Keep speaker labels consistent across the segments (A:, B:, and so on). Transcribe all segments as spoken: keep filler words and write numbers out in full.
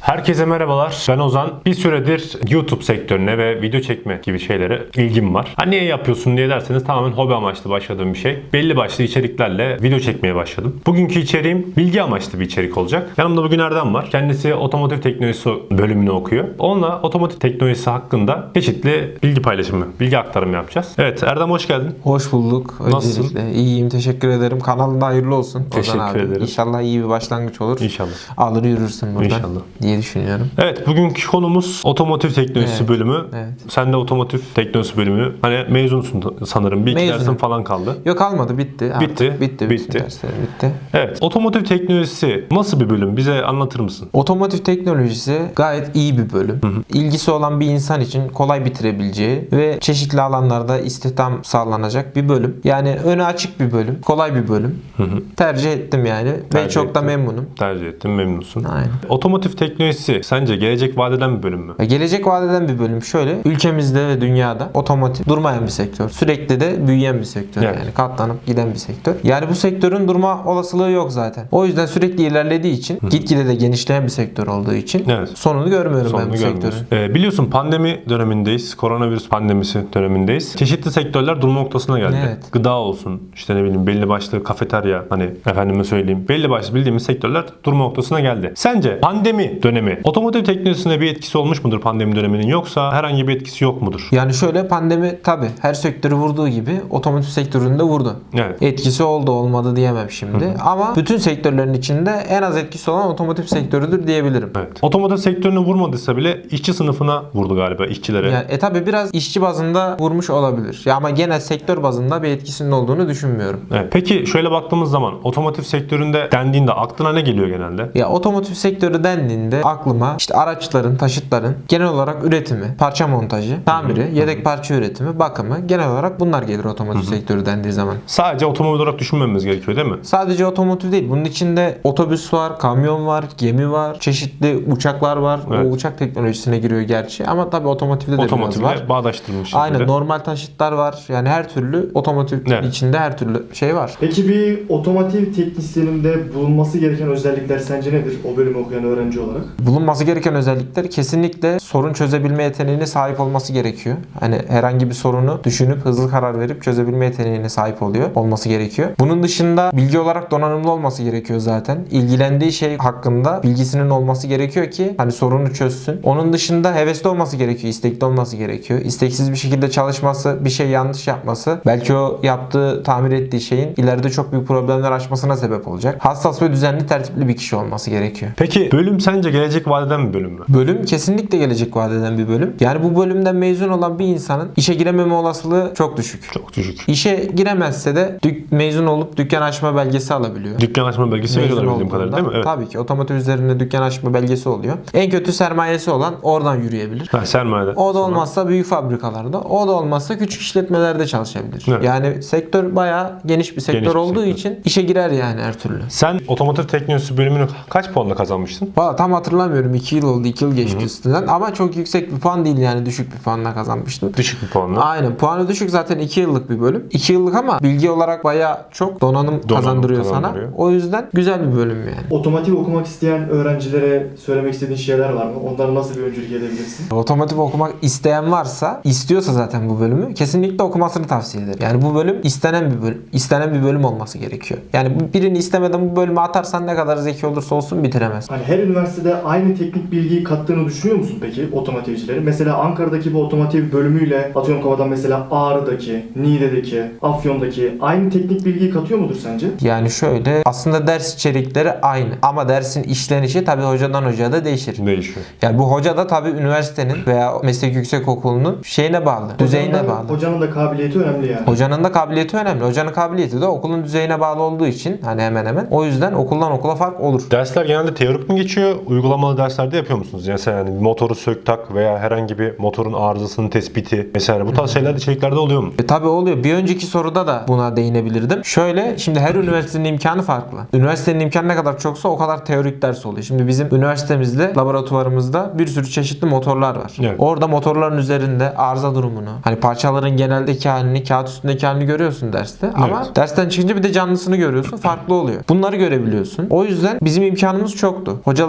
A: Herkese merhabalar. Ben Ozan. Bir süredir YouTube sektörüne ve video çekme gibi şeylere ilgim var. Ha niye yapıyorsun diye derseniz tamamen hobi amaçlı başladığım bir şey. Belli başlı içeriklerle video çekmeye başladım. Bugünkü içeriğim bilgi amaçlı bir içerik olacak. Yanımda bugün Erdem var. Kendisi otomotiv teknolojisi bölümünü okuyor. Onunla otomotiv teknolojisi hakkında çeşitli bilgi paylaşımı, bilgi aktarımı yapacağız. Evet Erdem hoş geldin.
B: Hoş bulduk.
A: Nasılsın?
B: Öncelikle iyiyim, teşekkür ederim. Kanalında hayırlı olsun.
A: Teşekkür
B: Ozan abi.
A: ederim.
B: İnşallah iyi bir başlangıç olur.
A: İnşallah.
B: Alır yürürsün buradan
A: İnşallah.
B: diye düşünüyorum.
A: Evet, bugünkü konumuz otomotiv teknolojisi
B: Evet,
A: bölümü.
B: evet.
A: Sen de otomotiv teknolojisi bölümü. Hani mezunsun sanırım. Bir iki
B: Mezunum.
A: dersin falan kaldı.
B: Yok kalmadı, bitti. Artık.
A: Bitti,
B: Bitti.
A: bitti.
B: Bütün derslerim bitti.
A: Evet, otomotiv teknolojisi nasıl bir bölüm? Bize anlatır mısın?
B: Otomotiv teknolojisi gayet iyi bir bölüm.
A: Hı hı.
B: İlgisi olan bir insan için kolay bitirebileceği ve çeşitli alanlarda istihdam sağlanacak bir bölüm. Yani önü açık bir bölüm. Kolay bir bölüm.
A: Hı hı.
B: Tercih ettim yani. Ve
A: Tercih
B: çok da
A: ettim.
B: memnunum.
A: Tercih ettim, memnunsun.
B: Aynen.
A: Otomotiv teknolojisi sence gelecek vadeden bir bölüm mü?
B: Ve gelecek vadeden bir bölüm şöyle. Ülkemizde ve dünyada otomotiv durmayan bir sektör. Sürekli de büyüyen bir sektör.
A: Evet.
B: Yani katlanıp giden bir sektör. Yani bu sektörün durma olasılığı yok zaten. O yüzden sürekli ilerlediği için, gitgide de genişleyen bir sektör olduğu için
A: Evet.
B: sonunu görmüyorum
A: Sonunu
B: ben bu
A: görmüyoruz.
B: sektörün.
A: Ee, biliyorsun pandemi dönemindeyiz. Koronavirüs pandemisi dönemindeyiz. Çeşitli sektörler durma noktasına geldi.
B: Evet.
A: Gıda olsun, işte ne bileyim belli başlı kafeterya, hani efendime söyleyeyim belli başlı bildiğimiz sektörler durma noktasına geldi. Sence pandemi dönemi otomotiv teknolojisine bir etkisi olmuş mudur pandemi döneminin, yoksa herhangi bir etkisi yok mudur?
B: Yani şöyle, pandemi tabi her sektörü vurduğu gibi otomotiv sektöründe vurdu.
A: Evet.
B: Etkisi oldu olmadı diyemem şimdi. Hı. Ama bütün sektörlerin içinde en az etkisi olan otomotiv sektörüdür diyebilirim.
A: Evet. Otomotiv sektörünü vurmadıysa bile işçi sınıfına vurdu galiba, işçilere.
B: Yani, e tabi biraz işçi bazında vurmuş olabilir. Ya ama genel sektör bazında bir etkisinin olduğunu düşünmüyorum.
A: Evet. Peki şöyle baktığımız zaman otomotiv sektöründe dendiğinde aklına ne geliyor genelde?
B: Ya otomotiv sektörü dendiğinde aklıma işte araçların, taşıtların genel olarak üretimi, parça montajı, tamiri,
A: Hı hı.
B: yedek parça üretimi, bakımı, genel olarak bunlar gelir otomotiv
A: Hı hı.
B: sektörü dendiği zaman.
A: Sadece otomobil olarak düşünmemiz gerekiyor değil mi?
B: Sadece otomotiv değil. Bunun içinde otobüs var, kamyon var, gemi var, çeşitli uçaklar var.
A: Evet.
B: O uçak teknolojisine giriyor gerçi ama tabii otomotivde de biraz var.
A: Otomotivle bağdaştırılmış şekilde.
B: Aynen, normal taşıtlar var. Yani her türlü otomotiv
A: Evet.
B: içinde her türlü şey var.
C: Peki bir otomotiv teknisyeninde bulunması gereken özellikler sence nedir o bölümü okuyan öğrenci olarak?
B: Bulunması gereken özellikler kesinlikle sorun çözebilme yeteneğine sahip olması gerekiyor. Hani herhangi bir sorunu düşünüp hızlı karar verip çözebilme yeteneğine sahip oluyor, olması gerekiyor. Bunun dışında bilgi olarak donanımlı olması gerekiyor zaten. İlgilendiği şey hakkında bilgisinin olması gerekiyor ki hani sorunu çözsün. Onun dışında hevesli olması gerekiyor, istekli olması gerekiyor. İsteksiz bir şekilde çalışması, bir şey yanlış yapması, belki o yaptığı, tamir ettiği şeyin ileride çok büyük problemler açmasına sebep olacak. Hassas ve düzenli, tertipli bir kişi olması gerekiyor.
A: Peki bölüm sence gelecek vadeden bir bölüm mü?
B: Bölüm kesinlikle gelecek vadeden bir bölüm. Yani bu bölümden mezun olan bir insanın işe girememe olasılığı çok düşük.
A: Çok düşük.
B: İşe giremezse de dük- mezun olup dükkan açma belgesi alabiliyor.
A: Dükkan açma belgesi
B: Mezun
A: veriyorlar bildiğim
B: olduğunda,
A: kadarıyla değil mi? Evet.
B: Tabii ki otomotiv üzerinde dükkan açma belgesi oluyor. En kötü sermayesi olan oradan yürüyebilir.
A: Ha, sermayede.
B: O da
A: Sonra-
B: olmazsa büyük fabrikalarda, o da olmazsa küçük işletmelerde çalışabilir.
A: Evet.
B: Yani sektör bayağı geniş bir sektör
A: Geniş bir
B: olduğu
A: sektör.
B: için işe girer yani her türlü.
A: Sen otomotiv teknolojisi bölümünü kaç puanla kazanmıştın?
B: Valla tam hatırlamıyorum. iki yıl oldu. iki yıl geçti üstünden. Ama çok yüksek bir puan değil yani. Düşük bir puanla kazanmıştım.
A: Düşük bir puanla.
B: Aynen. Puanı düşük, zaten iki yıllık bir bölüm. iki yıllık ama bilgi olarak bayağı çok donanım, kazandırıyor
A: kazandırıyor.
B: sana. O yüzden güzel bir bölüm yani.
C: Otomotiv okumak isteyen öğrencilere söylemek istediğin şeyler var mı? Onlara nasıl bir öncülük edebilirsin?
B: Otomotiv okumak isteyen varsa, istiyorsa zaten bu bölümü kesinlikle okumasını tavsiye ederim. Yani bu bölüm istenen bir bölüm. istenen bir bölüm olması gerekiyor. Yani birini istemeden bu bölüme atarsan ne kadar zeki olursa olsun bitiremez.
C: Hani her üniversitede aynı teknik bilgiyi kattığını düşünüyor musun peki otomotivcilerin? Mesela Ankara'daki bu otomotiv bölümüyle atıyorum kafadan mesela Ağrı'daki, Niğde'deki, Afyon'daki aynı teknik bilgiyi katıyor mudur sence?
B: Yani şöyle, aslında ders içerikleri aynı ama dersin işlenişi tabii hocadan hocaya da değişir.
A: Değişiyor.
B: Yani bu hoca da tabii üniversitenin veya meslek yüksekokulu'nun şeyine bağlı, düzeyine
C: Hocanın da-
B: bağlı.
C: Hocanın da kabiliyeti önemli yani.
B: Hocanın da kabiliyeti önemli. Hocanın kabiliyeti de okulun düzeyine bağlı olduğu için hani hemen hemen. O yüzden okuldan okula fark olur.
A: Dersler genelde teorik mi geçiyor? Uygulamalı derslerde yapıyor musunuz? Mesela yani motoru sök tak veya herhangi bir motorun arızasının tespiti mesela bu tarz şeyler içeriklerde oluyor mu?
B: E tabii oluyor. Bir önceki soruda da buna değinebilirdim. Şöyle, şimdi her üniversitenin imkanı farklı. Üniversitenin imkanı ne kadar çoksa o kadar teorik ders oluyor. Şimdi bizim üniversitemizde, laboratuvarımızda bir sürü çeşitli motorlar var.
A: Evet.
B: Orada motorların üzerinde arıza durumunu, hani parçaların geneldeki halini, kağıt üstündeki halini görüyorsun derste. Ama
A: Evet.
B: dersten çıkınca bir de canlısını görüyorsun. Farklı oluyor. Bunları görebiliyorsun. O yüzden bizim imkanımız çoktu. Hocalarıma da buradan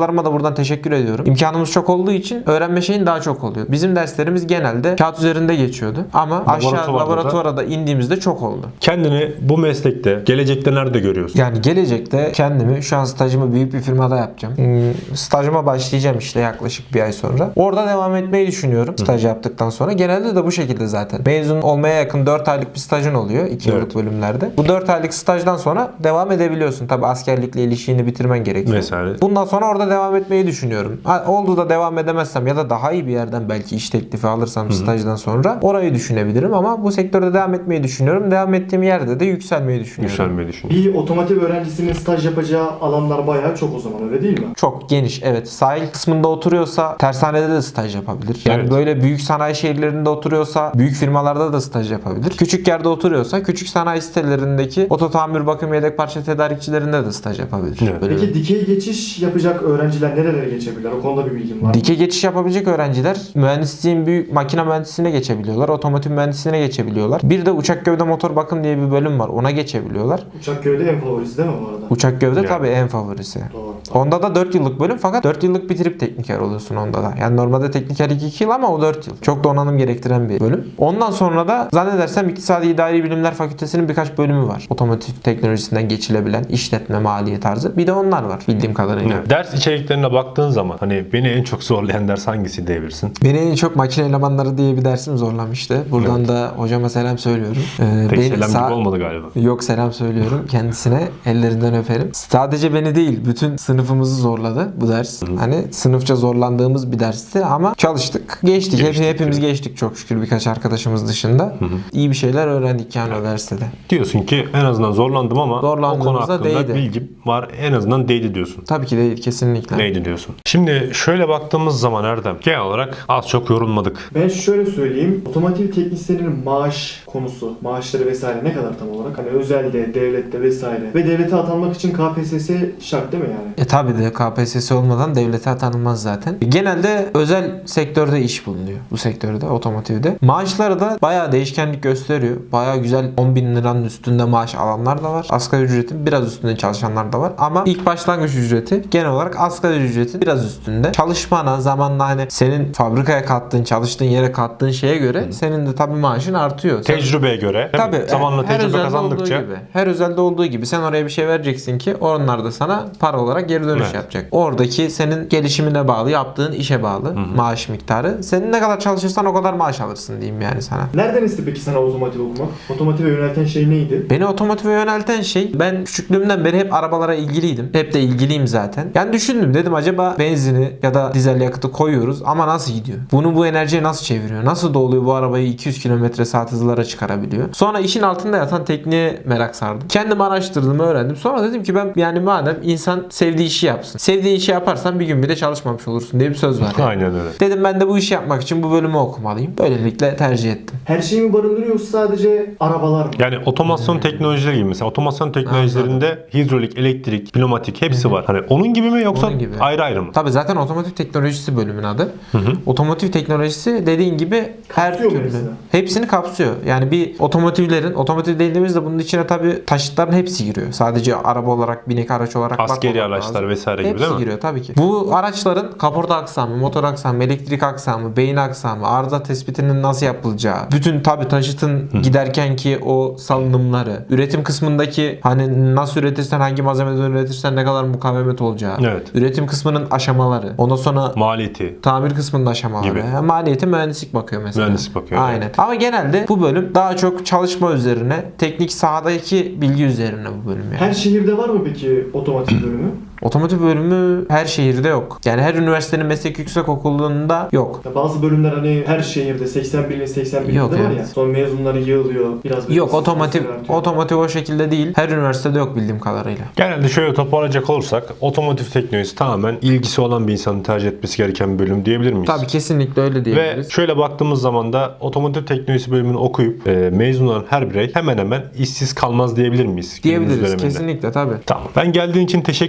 B: buradan teşekkür ediyorum. İmkanımız çok olduğu için öğrenme şeyin daha çok oluyor. Bizim derslerimiz genelde kağıt üzerinde geçiyordu. Ama aşağı
A: Laboratuvarda
B: laboratuvara da indiğimizde çok oldu.
A: Kendini bu meslekte gelecekte nerede görüyorsun?
B: Yani gelecekte kendimi şu an stajımı büyük bir firmada yapacağım. Hmm, stajıma başlayacağım işte yaklaşık bir ay sonra. Orada devam etmeyi düşünüyorum staj yaptıktan sonra. Genelde de bu şekilde zaten. Mezun olmaya yakın dört aylık bir stajın oluyor iki
A: Evet.
B: yıllık bölümlerde. Bu dört aylık stajdan sonra devam edebiliyorsun. Tabi askerlikle ilişkini bitirmen gerekiyor.
A: Vesaire.
B: Bundan sonra orada devam etmeyi düşünüyorum. Ha, oldu da devam edemezsem ya da daha iyi bir yerden belki iş teklifi alırsam stajdan sonra orayı düşünebilirim ama bu sektörde devam etmeyi düşünüyorum. Devam ettiğim yerde de yükselmeyi düşünüyorum.
A: Yükselmeyi düşünüyorum.
C: Bir otomotiv öğrencisinin staj yapacağı alanlar bayağı çok o zaman, öyle değil mi?
B: Çok geniş, evet. Sahil kısmında oturuyorsa tersanede de staj yapabilir. Yani
A: Evet.
B: böyle büyük sanayi şehirlerinde oturuyorsa büyük firmalarda da staj yapabilir. Küçük yerde oturuyorsa küçük sanayi sitelerindeki oto tamir, bakım, yedek parça tedarikçilerinde de staj yapabilir.
A: Evet.
B: Böyle
C: Peki dikey geçiş yapacak öğrenciler nerelere geçebilirler? O konuda bir bilgin var mı?
B: dikey geçiş yapabilecek öğrenciler mühendisliğin büyük makine mühendisliğine geçebiliyorlar. Otomotiv mühendisliğine geçebiliyorlar. Bir de uçak gövde motor bakım diye bir bölüm var. Ona geçebiliyorlar.
C: Uçak gövde en favorisi değil mi bu arada?
B: Uçak gövde
A: Yani.
B: tabii en favorisi.
C: Doğru.
B: Onda da dört yıllık bölüm fakat dört yıllık bitirip tekniker oluyorsun onda da. Yani normalde tekniker iki yıl ama o dört yıl. Çok donanım gerektiren bir bölüm. Ondan sonra da zannedersem İktisadi İdari Bilimler Fakültesinin birkaç bölümü var. Otomotiv teknolojisinden geçilebilen işletme, maliye tarzı. Bir de onlar var bildiğim kadarıyla.
A: Evet. Ders içeriklerine baktığın zaman hani beni en çok zorlayan ders hangisi diyebilirsin?
B: Beni en çok makine elemanları diye bir dersim zorlamıştı. Buradan
A: Evet.
B: da hocama selam söylüyorum. Ee,
A: Tek
B: beni
A: selam
B: sağ-
A: gibi olmadı galiba.
B: Yok, selam söylüyorum kendisine, ellerinden öperim. Sadece beni değil bütün sınıfımızı zorladı bu ders. Hani sınıfça zorlandığımız bir dersti ama çalıştık. Geçtik. Hep,
A: Geçtik.
B: hepimiz geçtik çok şükür birkaç arkadaşımız dışında. İyi bir şeyler öğrendik yani o derste de.
A: Diyorsun ki en azından zorlandım ama o konu
B: Zorlandığımızda
A: hakkında
B: değdi.
A: bilgim var. En azından değdi diyorsun.
B: Tabii ki değil, kesinlikle.
A: Neydi diyorsun? Şimdi şöyle baktığımız zaman Erdem genel olarak az çok yorulmadık.
C: Ben şöyle söyleyeyim. Otomotiv teknisyeninin maaş konusu, maaşları vesaire ne kadar tam olarak? Hani özelde, devlette vesaire. Ve devlete atanmak için K P S S şart değil mi yani?
B: E tabi de K P S S olmadan devlete atanılmaz zaten. Genelde özel sektörde iş bulunuyor bu sektörde, otomotivde. Maaşları da bayağı değişkenlik gösteriyor. Bayağı güzel on bin liranın üstünde maaş alanlar da var. Asgari ücretin biraz üstünde çalışanlar da var. Ama ilk başlangıç ücreti genel olarak asgari ücretin biraz üstünde. Çalışmana, zamanla hani senin fabrikaya kattığın, çalıştığın yere kattığın şeye göre senin de tabi maaşın artıyor. Sen-
A: Tecrübeye göre değil mi?
B: Tabii.
A: Zamanla
B: her
A: tecrübe
B: özelde
A: kazandıkça
B: olduğu gibi. Her özelde olduğu gibi sen oraya bir şey vereceksin ki onlar da sana para olarak geri dönüş
A: Evet.
B: yapacak. Oradaki senin gelişimine bağlı, yaptığın işe bağlı maaş miktarı. Senin ne kadar çalışırsan o kadar maaş alırsın diyeyim yani sana.
C: Nereden esti peki sana otomotiv okumak? Otomotive yönelten şey neydi?
B: Beni otomotive yönelten şey, ben küçüklüğümden beri hep arabalara ilgiliydim. Hep de ilgiliyim zaten. Yani düşündüm, dedim acaba benzini ya da dizel yakıtı koyuyoruz ama nasıl gidiyor? Bunu bu enerjiye nasıl çeviriyor? Nasıl doluyor bu arabayı iki yüz kilometre saat hızlara çıkarabiliyor? Sonra işin altında yatan tekniğe merak sardım. Kendim araştırdım, öğrendim. Sonra dedim ki ben yani madem insan sevdiği işi yapsın. Sevdiği işi yaparsan bir gün bile çalışmamış olursun diye bir söz var.
A: aynen öyle.
B: Dedim ben de bu işi yapmak için bu bölümü okumalıyım. Böylelikle tercih ettim.
C: Her şeyi mi barındırıyor yoksa sadece arabalar mı?
A: Yani otomasyon teknolojileri gibi mesela otomasyon teknolojilerinde hidrolik, elektrik, pneumatik hepsi var. Hani onun gibi mi yoksa
B: Onun gibi.
A: ayrı ayrı mı?
B: Tabii zaten otomotiv teknolojisi bölümün adı. Otomotiv teknolojisi dediğin gibi her
C: Kapsıyor mu
B: türlü.
C: hepsini?
B: Hepsini kapsıyor. Yani bir otomotivlerin, otomotiv dediğimizde bunun içine tabii taşıtların hepsi giriyor. Sadece araba olarak, binek araç olarak
A: Askeri
B: bakmamak
A: araçlar
B: lazım.
A: vesaire gibi
B: Hepsi
A: değil mi?
B: giriyor tabii ki. Bu araçların kaporta aksamı, motor aksamı, elektrik aksamı, beyin aksamı, arıza tespitinin nasıl yapılacağı, bütün tabii taşıtın giderken ki o salınımları, üretim kısmındaki hani nasıl üretirsen, hangi malzemeden üretirsen ne kadar mukavemet olacağı,
A: Evet.
B: üretim kısmının aşamaları, ondan sonra
A: Maliyeti.
B: tamir kısmının aşamaları.
A: Gibi.
B: Yani maliyeti mühendislik bakıyor mesela.
A: Mühendislik bakıyor,
B: Aynen.
A: evet.
B: Ama genelde bu bölüm daha çok çalışma üzerine, teknik sahadaki bilgi üzerine bu bölüm yani.
C: Her şehirde var mı peki otomotiv bölümü?
B: Otomotiv bölümü her şehirde yok. Yani her üniversitenin meslek yüksekokulu'nda yok.
C: Ya bazı bölümler hani her şehirde seksen birinin seksen birinde
B: Yok,
C: var
B: evet.
C: ya. Sonra mezunları yığılıyor. Biraz böyle
B: Yok, otomotiv
C: sayılar artıyor.
B: otomotiv o şekilde değil. Her üniversitede yok bildiğim kadarıyla.
A: Genelde şöyle toparlayacak olursak otomotiv teknolojisi tamamen ilgisi olan bir insanın tercih etmesi gereken bir bölüm diyebilir miyiz?
B: Tabii kesinlikle öyle
A: Ve
B: diyebiliriz.
A: şöyle baktığımız zaman da otomotiv teknolojisi bölümünü okuyup e, mezun olan her birey hemen hemen işsiz kalmaz diyebilir miyiz? günümüz
B: Diyebiliriz
A: döneminde?
B: kesinlikle tabii.
A: Tamam. Ben geldiğin için teşekkür ediyorum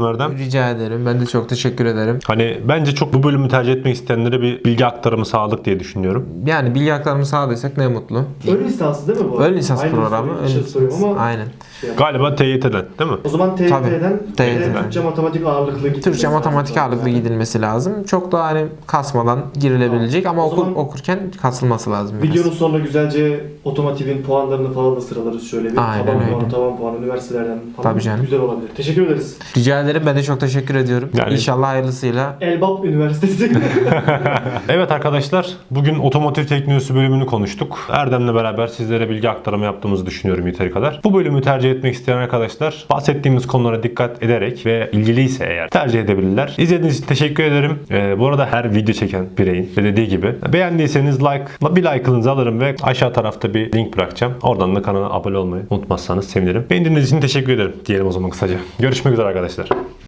A: ediyorum Erdem.
B: Rica ederim. Ben de çok teşekkür ederim.
A: Hani bence çok bu bölümü tercih etmek isteyenlere bir bilgi aktarımı sağladık diye düşünüyorum.
B: Yani bilgi aktarımı sağladıysak ne mutlu.
C: Ön lisansı değil mi bu?
B: Ön lisans
C: Aynı
B: programı.
C: soruyu,
B: Ön
C: şey
B: lisans.
C: soruyorum ama
B: Aynen.
C: şey yap-
A: Galiba T Y T'den değil mi?
C: O zaman T Y
B: Tabii.
C: T'den
B: T Y T'den.
C: Türkçe matematik ağırlıklı gitmesi
B: Türkçe
C: lazım.
B: matematik ağırlıklı
C: Yani.
B: gidilmesi lazım. Çok da hani kasmadan girilebilecek ama
C: O
B: okur,
C: zaman
B: okurken kasılması lazım. biraz.
C: Videonun sonunda güzelce otomotivin puanlarını falan da sıralarız şöyle bir.
B: Aynen
C: taban
B: öyle.
C: puanı, taban puanı, üniversitelerden falan.
B: Tabii canım.
C: Güzel olabilir. Teşekkür ederiz.
B: Rica ederim. Ben de çok teşekkür ediyorum.
A: Yani-
B: İnşallah hayırlısıyla.
C: Elbap Üniversitesi.
A: Evet arkadaşlar, bugün otomotiv teknolojisi bölümünü konuştuk. Erdem'le beraber sizlere bilgi aktarımı yaptığımızı düşünüyorum yeteri kadar. Bu bölümü tercih etmek isteyen arkadaşlar bahsettiğimiz konulara dikkat ederek ve ilgiliyse eğer tercih edebilirler. İzlediğiniz için teşekkür ederim. Ee, bu arada her video çeken bireyin de dediği gibi beğendiyseniz like, bir like'ınızı alırım ve aşağı tarafta bir link bırakacağım. Oradan da kanala abone olmayı unutmazsanız sevinirim. Beğendiğiniz için teşekkür ederim diyelim o zaman kısaca. Görüşmek üzere arkadaşlar.